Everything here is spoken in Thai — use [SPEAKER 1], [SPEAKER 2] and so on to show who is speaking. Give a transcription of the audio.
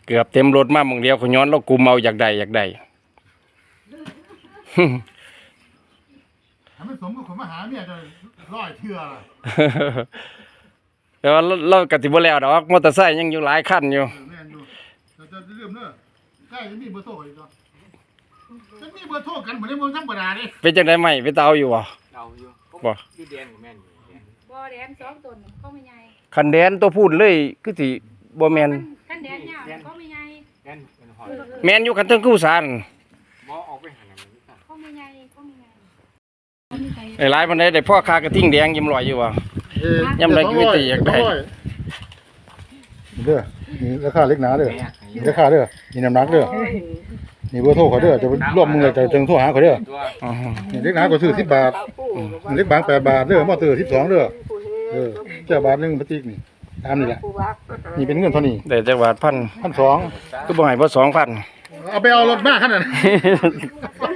[SPEAKER 1] เกือบเต็มรถมาหม่องเดียวเขาย้อนเรากุมเอาอยากได้
[SPEAKER 2] ถ้าไม่สมกับคนมาหาเนี่ยจะร้อยเทื่อ
[SPEAKER 1] แต่ว่าเราก็สิบ่แล้วดอกมอเตอร์ไซค์ยังอยู่หลายคันอยู่
[SPEAKER 2] แม่นอยู่แต่จะลืมเด้อใกล้จะมีเบอร์โทรอีกเนาะจะมีเบอร์โทรกันเหมือนในเมืองธรรมดาเด้
[SPEAKER 1] เป็นจังได๋ไหมไปเตาอยู่บ่
[SPEAKER 3] เราอยู่
[SPEAKER 1] บ่
[SPEAKER 3] อยู่แดนกับแม่นอยู่แดน
[SPEAKER 4] บ่แดนสองตนก็ไม่ใหญ่
[SPEAKER 1] คันแดนตัวพูดเลยคือสิบ่แม่น
[SPEAKER 4] คันแดนยาวก็ไม่ใหญ่
[SPEAKER 3] แดนเป็นหอย
[SPEAKER 1] แม่นอยู่คันเทิงกู้สาร
[SPEAKER 3] บ่ออกไปหาหนังมันนี่
[SPEAKER 4] ก็ไม่ใหญ่ก็ไม่ใหญ่
[SPEAKER 1] ไอ้หลายปานใดได้พ่อค้ากระทิ่งแดงยิ้มลอยอยู่บ่ ยำไรก็ไม่ตีอยากได้
[SPEAKER 2] เด้อนี่ราคาเล็กหนาเด้อนี่ราคาเด้อนี่น้ำหนักเด้อนี่เบอร์โทรเขาเด้อจะร่วมมือจะโทรหาเขาเด้อ
[SPEAKER 3] ตัว
[SPEAKER 1] อ๋อ
[SPEAKER 2] นี่เล็กหนาก็ซื้อ10 บาทเล็กบาง8 บาทเด้อมอเตอร์12เด้อเจ้าบาทนึงพลาสติกนี่ตามนี่แหละนี่เป็นเงินเท่านี้
[SPEAKER 1] ได้จักบาทพัน
[SPEAKER 2] 1,200
[SPEAKER 1] ก็บ่ให้บ่2,000
[SPEAKER 2] เอาไปเอารถมาขนาดนั้น